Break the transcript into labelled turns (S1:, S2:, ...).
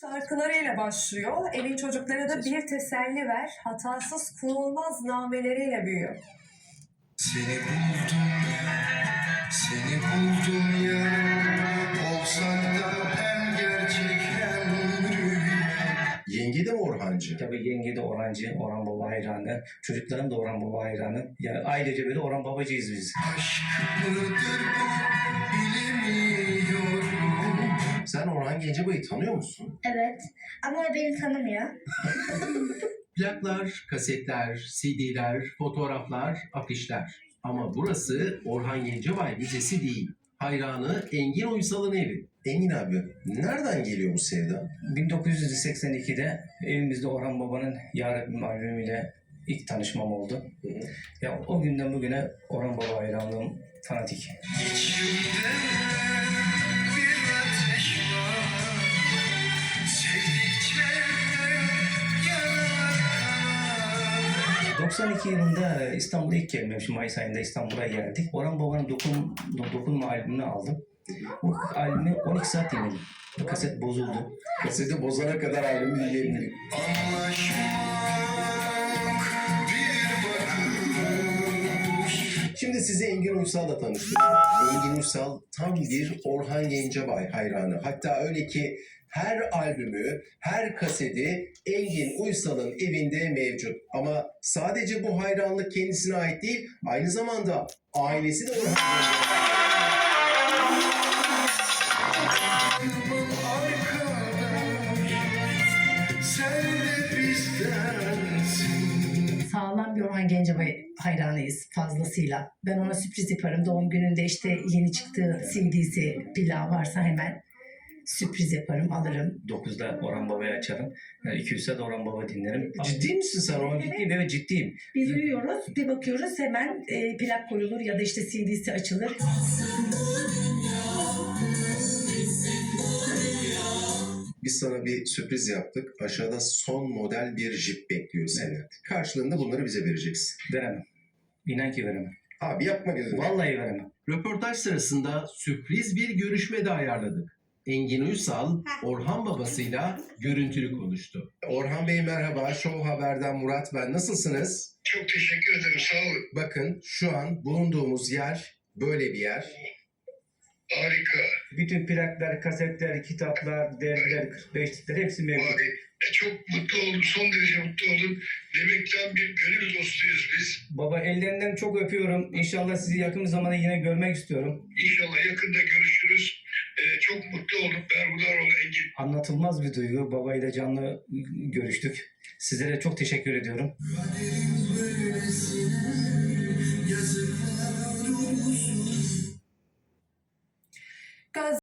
S1: Şarkılarıyla başlıyor. Evin çocuklara da bir teselli ver. Hatasız kullanılmaz nameleriyle büyüyor.
S2: Seni buldum ya, olsak da hem gerçek hem rüya. Yenge de mi Orhancı?
S3: Tabii yenge de Orhancı, Orhan Baba hayranı. Çocuklarım da Orhan Baba hayranı. Yani ailece böyle Orhan Babacıyız biz.
S2: Aşk mıdır bu bilemiyorum. Sen Orhan Gencebay'ı tanıyor musun?
S4: Evet ama o beni tanımıyor.
S5: Plaklar, kasetler, CD'ler, fotoğraflar, afişler. Ama burası Orhan Gencebay Müzesi değil. Hayranı Engin Uysal'ın evi.
S2: Engin abi, nereden geliyor bu sevda?
S3: 1982'de evimizde Orhan Baba'nın Ya Rabbim albümüyle ilk tanışmam oldu. Ya o günden bugüne Orhan Baba hayranlığım fanatik.
S2: İçimde bir ateş var, sevdikçe yanar.
S3: 92 yılında İstanbul'a ilk gelmemişim. Mayıs ayında İstanbul'a geldik. Orhan Baba'nın Dokunma albümünü aldım. Bu albümü 12 saat dinledim. Bu kaset bozuldu.
S2: Kaseti bozana kadar albümü dinleyebilirim. Şimdi sizi Engin Uysal'la tanıştıracağım. Engin Uysal tam bir Orhan Gencebay hayranı. Hatta öyle ki her albümü, her kaseti Engin Uysal'ın evinde mevcut. Ama sadece bu hayranlık kendisine ait değil, aynı zamanda ailesi de Orhan Gencebay. Sen de bizdensin.
S6: Sağlam bir Orhan Gencebay hayranıyız fazlasıyla. Ben ona sürpriz yaparım. Doğum gününde işte yeni çıktığı CD'si, plağı varsa hemen sürpriz yaparım, alırım.
S3: 9'da Orhan Baba'yı açarım. Yani 200 saat Orhan Baba dinlerim.
S2: Ciddi misin sen Orhan?
S3: Ciddiyim, evet ciddiyim.
S6: Biz uyuyoruz, bir bakıyoruz hemen plak koyulur ya da işte CD'si açılır.
S2: Biz sana bir sürpriz yaptık. Aşağıda son model bir Jeep bekliyor seni. Karşılığında bunları bize vereceksin.
S3: Veremem. İnan ki veremem.
S2: Abi yapma gözünü.
S3: Vallahi veremem.
S5: Röportaj sırasında sürpriz bir görüşme de ayarladık. Engin Uysal, Orhan babasıyla görüntülü konuştu.
S2: Orhan Bey merhaba. Show Haber'den Murat ben. Nasılsınız?
S7: Çok teşekkür ederim. Sağ olun.
S2: Bakın şu an bulunduğumuz yer böyle bir yer.
S7: Harika.
S3: Bütün plaklar, kasetler, kitaplar, dergiler, 45'likler hepsi mevcut.
S7: Abi, çok mutlu oldum. Son derece mutlu oldum. Demekten bir gönül dostuyuz biz.
S3: Baba ellerinden çok öpüyorum. İnşallah sizi yakın zamanda yine görmek istiyorum.
S7: İnşallah yakında görüşürüz. Çok mutlu oldum. Berhudar ol Engin.
S3: Anlatılmaz bir duygu. Babayla canlı görüştük. Sizlere çok teşekkür ediyorum.
S1: Gaz